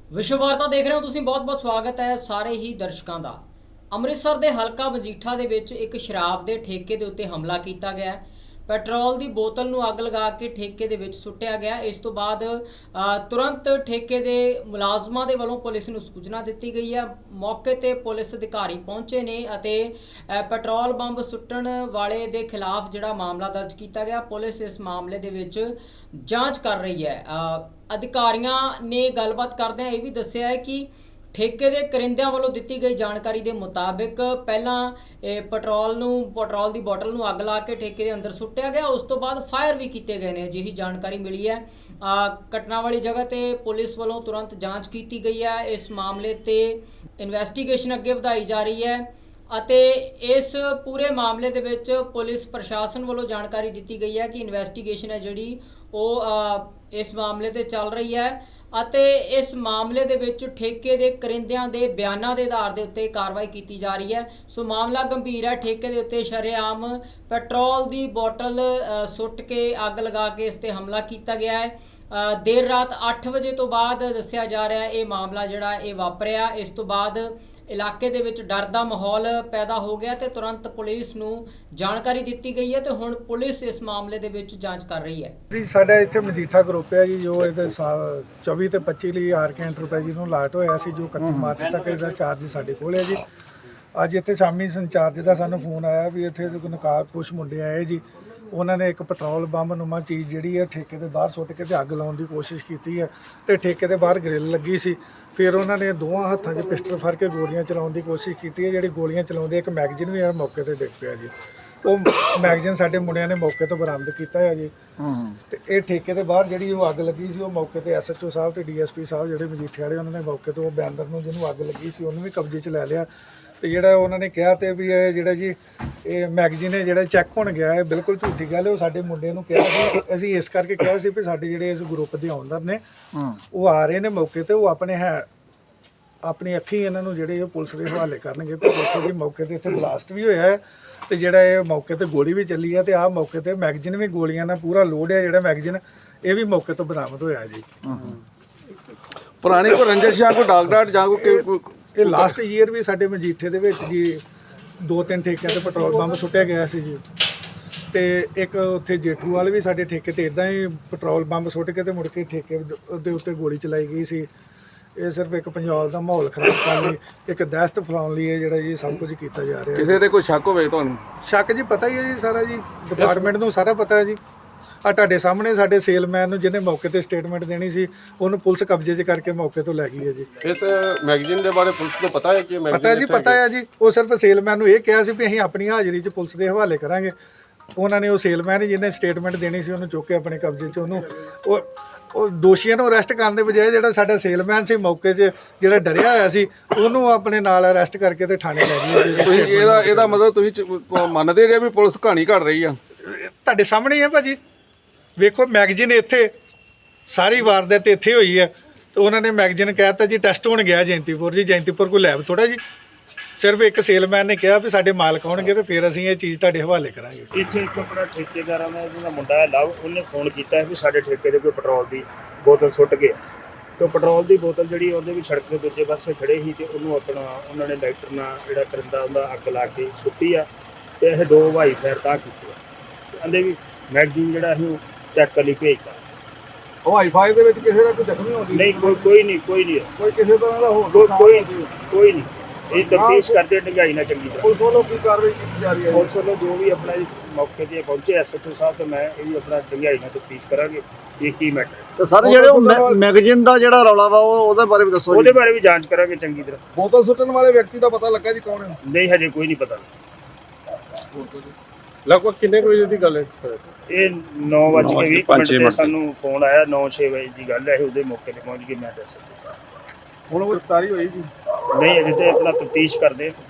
विश्व वार्ता देख रहे हो तुसीं, बहुत बहुत स्वागत है सारे ही दर्शकों का। ਅੰਮ੍ਰਿਤਸਰ ਦੇ ਹਲਕਾ ਮਜੀਠਾ ਦੇ ਵਿੱਚ ਇੱਕ ਸ਼ਰਾਬ ਦੇ ਠੇਕੇ ਦੇ ਉੱਤੇ ਹਮਲਾ ਕੀਤਾ ਗਿਆ। ਪੈਟਰੋਲ ਦੀ ਬੋਤਲ ਨੂੰ ਅੱਗ ਲਗਾ ਕੇ ਠੇਕੇ ਦੇ ਵਿੱਚ ਸੁੱਟਿਆ ਗਿਆ। ਇਸ ਤੋਂ ਬਾਅਦ ਤੁਰੰਤ ਠੇਕੇ ਦੇ ਮੁਲਾਜ਼ਮਾਂ ਦੇ ਵੱਲੋਂ ਪੁਲਿਸ ਨੂੰ ਸੂਚਨਾ ਦਿੱਤੀ ਗਈ ਹੈ। ਮੌਕੇ ਤੇ ਪੁਲਿਸ ਅਧਿਕਾਰੀ ਪਹੁੰਚੇ ਨੇ ਅਤੇ ਪੈਟਰੋਲ ਬੰਬ ਸੁੱਟਣ ਵਾਲੇ ਦੇ ਖਿਲਾਫ ਜਿਹੜਾ ਮਾਮਲਾ ਦਰਜ ਕੀਤਾ ਗਿਆ। ਪੁਲਿਸ ਇਸ ਮਾਮਲੇ ਦੇ ਵਿੱਚ ਜਾਂਚ ਕਰ ਰਹੀ ਹੈ। ਅਧਿਕਾਰੀਆਂ ਨੇ ਗੱਲਬਾਤ ਕਰਦਿਆਂ ਇਹ ਵੀ ਦੱਸਿਆ ਹੈ ਕਿ ठेके के करिंदियां वालों दी गई जानकारी के मुताबिक पहला पेट्रोल की बोतल में अग ला के ठेके के अंदर सुट्टिया गया। उस तो बाद फायर भी किए गए हैं। अजिही जानकारी मिली है। घटना वाली जगह ते पुलिस वालों तुरंत जांच की गई है। इस मामले ते इन्वेस्टिगेशन अगे वधाई जा रही है ਅਤੇ इस पूरे मामले ਦੇ ਵਿੱਚ पुलिस प्रशासन वालों जानकारी दी गई है कि इन्वेस्टिगेशन है जिहड़ी ਉਹ इस मामले ते चल रही है ਅਤੇ इस मामले ਦੇ ਵਿੱਚ ठेके ਦੇ ਕਰਿੰਦਿਆਂ ਦੇ ਬਿਆਨਾਂ ਦੇ ਆਧਾਰ ਦੇ ਉੱਤੇ ਕਾਰਵਾਈ ਕੀਤੀ ਜਾ ਰਹੀ ਹੈ। ਸੋ ਮਾਮਲਾ ਗੰਭੀਰ ਹੈ। ਠੇਕੇ ਦੇ ਉੱਤੇ ਸ਼ਰੇਆਮ ਪੈਟਰੋਲ ਦੀ ਬੋਤਲ ਸੁੱਟ ਕੇ ਅੱਗ ਲਗਾ ਕੇ ਇਸ ਤੇ ਹਮਲਾ ਕੀਤਾ ਗਿਆ ਹੈ। देर रात 8 ਵਜੇ ਤੋਂ ਬਾਅਦ ਦੱਸਿਆ ਜਾ ਰਿਹਾ ਇਹ ਮਾਮਲਾ ਜਿਹੜਾ ਇਹ ਵਾਪਰਿਆ। ਇਸ ਤੋਂ ਬਾਅਦ ਇਲਾਕੇ ਦੇ ਵਿੱਚ ਡਰ ਦਾ ਮਾਹੌਲ ਪੈਦਾ ਹੋ ਗਿਆ ਤੇ ਤੁਰੰਤ ਪੁਲਿਸ ਨੂੰ ਜਾਣਕਾਰੀ ਦਿੱਤੀ ਗਈ ਹੈ ਤੇ ਹੁਣ ਪੁਲਿਸ ਇਸ ਮਾਮਲੇ ਦੇ ਵਿੱਚ ਜਾਂਚ ਕਰ ਰਹੀ ਹੈ। ਜੀ ਸਾਡਾ ਇੱਥੇ ਮਜੀਠਾ ਗਰੁੱਪ ਹੈ ਜੀ, ਜੋ ਇਹਦੇ 24 ਤੇ 25 ਲਈ ਆਰਕੇ ਐਂਟਰਪ੍ਰਾਈਜ਼ ਨੂੰ ਲਾਟ ਹੋਇਆ ਸੀ, ਜੋ 31 ਮਾਰਚ ਤੱਕ ਇਹਦਾ ਚਾਰਜ ਸਾਡੇ ਕੋਲ ਹੈ ਜੀ। ਅੱਜ ਇੱਥੇ ਸ਼ਾਮੀ ਸੰਚਾਰਜ ਦਾ ਸਾਨੂੰ ਫੋਨ ਆਇਆ ਵੀ ਇੱਥੇ ਨਕਾਰ ਕੁਛ ਮੁੰਡੇ ਆਏ ਜੀ, ਉਹਨਾਂ ਨੇ ਇੱਕ ਪੈਟਰੋਲ ਬੰਬ ਨੁਮਾ ਚੀਜ਼ ਜਿਹੜੀ ਹੈ ਠੇਕੇ ਦੇ ਬਾਹਰ ਸੁੱਟ ਕੇ ਤੇ ਅੱਗ ਲਾਉਣ ਦੀ ਕੋਸ਼ਿਸ਼ ਕੀਤੀ ਹੈ ਤੇ ਠੇਕੇ ਦੇ ਬਾਹਰ ਗ੍ਰਿਲ ਲੱਗੀ ਸੀ। ਫਿਰ ਉਹਨਾਂ ਨੇ ਦੋਵਾਂ ਹੱਥਾਂ 'ਚ ਪਿਸਟਲ ਫੜ ਕੇ ਗੋਲੀਆਂ ਚਲਾਉਣ ਦੀ ਕੋਸ਼ਿਸ਼ ਕੀਤੀ ਹੈ। ਜਿਹੜੀ ਗੋਲੀਆਂ ਚਲਾਉਂਦੇ ਇੱਕ ਮੈਗਜ਼ੀਨ ਵੀ ਮੌਕੇ ਤੇ ਡਿੱਗ ਪਿਆ ਜੀ। ਉਹ ਮੈਗਜ਼ੀਨ ਸਾਡੇ ਮੁੰਡਿਆਂ ਨੇ ਮੌਕੇ ਤੋਂ ਬਰਾਮਦ ਕੀਤਾ ਹੈ ਜੀ। ਤੇ ਇਹ ਠੇਕੇ ਦੇ ਬਾਹਰ ਜਿਹੜੀ ਉਹ ਅੱਗ ਲੱਗੀ ਸੀ, ਉਹ ਮੌਕੇ ਤੇ SHO ਸਾਹਿਬ ਤੇ DSP ਸਾਹਿਬ ਜਿਹੜੇ ਮਜੀਠੇ ਵਾਲੇ, ਉਹਨਾਂ ਨੇ ਮੌਕੇ ਤੋਂ ਉਹ ਬੈਨਰ ਨੂੰ ਜਿਹਨੂੰ ਅੱਗ ਲੱਗੀ ਸੀ ਉਹਨੂੰ ਵੀ ਕਬਜ਼ੇ 'ਚ ਲੈ ਲਿਆ। ਤੇ ਜਿਹੜਾ ਉਹਨਾਂ ਨੇ ਕਿਹਾ ਤੇ ਵੀ ਇਹ ਜਿਹੜਾ ਜੀ ਇਹ ਮੈਗਜ਼ੀਨ ਹੈ ਜਿਹੜਾ ਚੈੱਕ ਹੋਣ ਗਿਆ ਹੈ, ਬਿਲਕੁਲ ਝੂਠੀ ਗੱਲ ਹੈ। ਉਹ ਸਾਡੇ ਮੁੰਡੇ ਨੂੰ ਕਿਹਾ ਸੀ, ਅਸੀਂ ਇਸ ਕਰਕੇ ਕਿਹਾ ਸੀ ਵੀ ਸਾਡੇ ਜਿਹੜੇ ਇਸ ਗਰੁੱਪ ਦੇ ਓਨਰ ਨੇ ਉਹ ਆ ਰਹੇ ਨੇ ਮੌਕੇ ਤੇ, ਉਹ ਆਪਣੀ ਅੱਖੀਂ ਇਹਨਾਂ ਨੂੰ ਜਿਹੜੇ ਪੁਲਿਸ ਦੇ ਹਵਾਲੇ ਕਰਨਗੇ। ਪਰ ਦੇਖੋ ਜੀ ਮੌਕੇ ਤੇ ਇੱਥੇ ਬਲਾਸਟ ਵੀ ਹੋਇਆ ਹੈ ਤੇ ਜਿਹੜਾ ਇਹ ਮੌਕੇ ਤੇ ਗੋਲੀ ਵੀ ਚੱਲੀ ਹੈ ਤੇ ਆਹ ਮੌਕੇ ਤੇ ਮੈਗਜ਼ੀਨ ਵੀ ਗੋਲੀਆਂ ਨਾਲ ਪੂਰਾ ਲੋਡ ਹੈ। ਜਿਹੜਾ ਮੈਗਜ਼ੀਨ ਇਹ ਵੀ ਮੌਕੇ ਤੋਂ ਬਰਾਮਦ ਹੋਇਆ ਜੀ। ਪੁਰਾਣੀ ਕੋਈ ਰੰਜਿਸ਼ ਜਾਂ ਕੋਈ ਡਾਕਟਰ ਜਾਂ ਕੋਈ ਇਹ ਲਾਸਟ ਈਅਰ ਵੀ ਸਾਡੇ ਮਜੀਠੇ ਦੇ ਵਿੱਚ ਜੀ 2-3 ਠੇਕਿਆਂ ਤੇ ਪੈਟਰੋਲ ਬੰਬ ਸੁੱਟਿਆ ਗਿਆ ਸੀ ਜੀ। ਤੇ ਇੱਕ ਉੱਥੇ ਜੇਠੂ ਵਾਲੇ ਵੀ ਸਾਡੇ ਠੇਕੇ ਤੇ ਇਦਾਂ ਹੀ ਪੈਟਰੋਲ ਬੰਬ ਸੁੱਟ ਕੇ ਤੇ ਮੁੜ ਕੇ ਠੇਕੇ ਦੇ ਉੱਤੇ ਗੋਲੀ ਚਲਾਈ ਗਈ ਸੀ। ਇਹ ਸਿਰਫ ਇੱਕ ਪੰਜਾਬ ਦਾ ਮਾਹੌਲ ਖਰਾਬ ਕਰਨ ਲਈ, ਇੱਕ ਦਹਿਸ਼ਤ ਫੈਲਾਉਣ ਲਈ ਜਿਹੜਾ ਜੀ ਸਭ ਕੁਝ ਕੀਤਾ ਜਾ ਰਿਹਾ। ਕਿਸੇ ਤੇ ਕੋਈ ਸ਼ੱਕ ਹੋਵੇ ਤੁਹਾਨੂੰ? ਸ਼ੱਕ ਜੀ ਪਤਾ ਹੀ ਹੈ ਜੀ, ਸਾਰਾ ਜੀ ਡਿਪਾਰਟਮੈਂਟ ਨੂੰ ਸਾਰਾ ਪਤਾ ਹੈ ਜੀ। ਆ ਤੁਹਾਡੇ ਸਾਹਮਣੇ ਸਾਡੇ ਸੇਲਮੈਨ ਨੂੰ ਜਿਹਨੇ ਮੌਕੇ ਤੇ ਸਟੇਟਮੈਂਟ ਦੇਣੀ ਸੀ, ਉਹਨੂੰ ਪੁਲਿਸ ਕਬਜ਼ੇ 'ਚ ਕਰਕੇ ਮੌਕੇ ਤੋਂ ਲੈ ਗਈ ਹੈ ਜੀ। ਇਸ ਮੈਗਜ਼ੀਨ ਦੇ ਬਾਰੇ ਪੁਲਿਸ ਨੂੰ ਪਤਾ ਹੈ ਕਿ ਪਤਾ ਜੀ, ਪਤਾ ਹੈ ਜੀ। ਉਹ ਸਿਰਫ ਸੇਲਮੈਨ ਨੂੰ ਇਹ ਕਿਹਾ ਸੀ ਵੀ ਅਸੀਂ ਆਪਣੀ ਹਾਜ਼ਰੀ 'ਚ ਪੁਲਿਸ ਦੇ ਹਵਾਲੇ ਕਰਾਂਗੇ। ਉਹਨਾਂ ਨੇ ਉਹ ਸੇਲਮੈਨ ਜਿਹਨੇ ਸਟੇਟਮੈਂਟ ਦੇਣੀ ਸੀ ਉਹਨੂੰ ਚੁੱਕ ਕੇ ਆਪਣੇ ਕਬਜ਼ੇ 'ਚ ਉਹਨੂੰ ਉਹ ਦੋਸ਼ੀਆਂ ਨੂੰ ਅਰੈਸਟ ਕਰਨ ਦੇ ਬਜਾਏ ਜਿਹੜਾ ਸਾਡਾ ਸੇਲਮੈਨ ਸੀ ਮੌਕੇ 'ਚ ਜਿਹੜਾ ਡਰਿਆ ਹੋਇਆ ਸੀ, ਉਹਨੂੰ ਆਪਣੇ ਨਾਲ ਅਰੈਸਟ ਕਰਕੇ ਤੇ ਥਾਣੇ ਲੈ ਗਈ। ਤੁਸੀਂ ਇਹਦਾ ਮਤਲਬ ਤੁਸੀਂ ਮੰਨਦੇ ਜੇ ਵੀ ਪੁਲਿਸ ਕਹਾਣੀ ਘੜ ਰਹੀ ਆ? ਤੁਹਾਡੇ ਸਾਹਮਣੇ ਹੀ ਹੈ ਭਾਜੀ, ਵੇਖੋ ਮੈਗਜ਼ੀਨ ਇੱਥੇ ਸਾਰੀ ਵਾਰਦਾਤ ਇੱਥੇ ਹੋਈ ਹੈ ਤੇ ਉਹਨਾਂ ਨੇ ਮੈਗਜ਼ੀਨ ਕਹਿਤਾ ਜੀ ਟੈਸਟ ਹੋਣ ਗਿਆ ਜੈਂਤੀਪੁਰ ਜੀ। ਜੈਂਤੀਪੁਰ ਕੋਈ ਲੈਬ ਥੋੜਾ ਜੀ। ਸਿਰਫ ਇੱਕ ਸੇਲਮੈਨ ਨੇ ਕਿਹਾ ਵੀ ਸਾਡੇ ਮਾਲਕ ਆਉਣਗੇ ਤੇ ਫਿਰ ਅਸੀਂ ਇਹ ਚੀਜ਼ ਤੁਹਾਡੇ ਹਵਾਲੇ ਕਰਾਂਗੇ। ਇੱਥੇ ਇੱਕ ਆਪਣਾ ਠੇਕੇਦਾਰਾਂ ਦਾ ਜਿਹੜਾ ਮੁੰਡਾ ਹੈ ਲਵ, ਉਹਨੇ ਫੋਨ ਕੀਤਾ ਵੀ ਸਾਡੇ ਠੇਕੇ ਦੇ ਕੋਈ ਪੈਟਰੋਲ ਦੀ ਬੋਤਲ ਸੁੱਟ ਗਿਆ। ਤੇ ਪੈਟਰੋਲ ਦੀ ਬੋਤਲ ਜਿਹੜੀ ਉਹਦੇ ਵੀ ਸੜਕ ਦੇ ਦੂਜੇ ਪਾਸੇ ਖੜੇ ਸੀ ਤੇ ਉਹਨੂੰ ਆਪਣਾ ਉਹਨਾਂ ਨੇ ਲਾਈਟਰ ਨਾਲ ਜਿਹੜਾ ਕਰਿੰਦਾ ਉਹਦਾ ਅੱਗ ਲਾ ਕੇ ਸੁੱਟੀ ਆ ਤੇ ਇਹ 2 ਹਵਾਈ ਫਾਇਰ ਤਾਂ ਕੀਤੇ ਆ। ਕਹਿੰਦੇ ਵੀ ਮੈਗਜ਼ੀਨ ਜਿਹੜਾ ਅਸੀਂ ਚੈੱਕ ਕਰ ਲਈ ਭੇਜਤਾ। ਹਵਾਈ ਫਾਇਰ ਦੇ ਵਿੱਚ ਕਿਸੇ ਦਾ ਕੋਈ ਜ਼ਖਮੀ ਹੋਣੀ? ਨਹੀਂ, ਕੋਈ ਨਹੀਂ ਕੋਈ ਕਿਸੇ ਤਰ੍ਹਾਂ ਦਾ ਹੋਰ ਕੋਈ ਨਹੀਂ। ਇਹ ਤਫਤੀਸ਼ ਕਰਦੇ ਡੰਗਾਈ ਨਾਲ ਚੰਗੀ ਤਰ੍ਹਾਂ। ਪੁਲਿਸ ਵੱਲੋਂ ਕੀ ਕਾਰਵਾਈ ਕੀਤੀ ਜਾ ਰਹੀ ਹੈ? ਪੁਲਿਸ ਵੱਲੋਂ ਜੋ ਵੀ ਆਪਣਾ ਮੌਕੇ ਤੇ ਪਹੁੰਚੇ SHO ਸਾਹਿਬ ਤੇ ਮੈਂ ਇਹ ਵੀ ਆਪਣਾ ਡੰਗਾਈ ਨਾਲ ਤਫਤੀਸ਼ ਕਰਾਂਗੇ ਇਹ ਕੀ ਮੈਟਰ ਹੈ। ਤੇ ਸਰ ਜਿਹੜੇ ਉਹ ਮੈਗਜ਼ੀਨ ਦਾ ਜਿਹੜਾ ਰੌਲਾ ਵਾ ਉਹਦੇ ਬਾਰੇ ਵੀ ਦੱਸੋ। ਉਹਦੇ ਬਾਰੇ ਵੀ ਜਾਂਚ ਕਰਾਂਗੇ ਚੰਗੀ ਤਰ੍ਹਾਂ। ਬੋਤਲ ਸੁੱਟਣ ਵਾਲੇ ਵਿਅਕਤੀ ਦਾ ਪਤਾ ਲੱਗਾ ਜੀ ਕੌਣ ਹੈ? ਨਹੀਂ, ਹਜੇ ਕੋਈ ਨਹੀਂ ਪਤਾ। ਲਗਭਗ ਕਿੰਨੇ ਵਜੇ ਦੀ ਗੱਲ ਹੈ? ਇਹ 9:20 ਤੇ ਸਾਨੂੰ ਫੋਨ ਆਇਆ। 9-6 ਵਜੇ ਦੀ ਗੱਲ ਹੈ। ਉਹਦੇ ਮੌਕੇ ਤੇ ਪਹੁੰਚ ਕੇ ਮੈਂ SHO ਸਾਹਿਬ। ਹੁਣ ਉਹ ਗ੍ਰਿਫਤਾਰੀ ਹੋਈ ਜੀ? ਨਹੀਂ, ਅਜੇ ਤੇ ਆਪਣਾ ਤਫਤੀਸ਼ ਕਰਦੇ।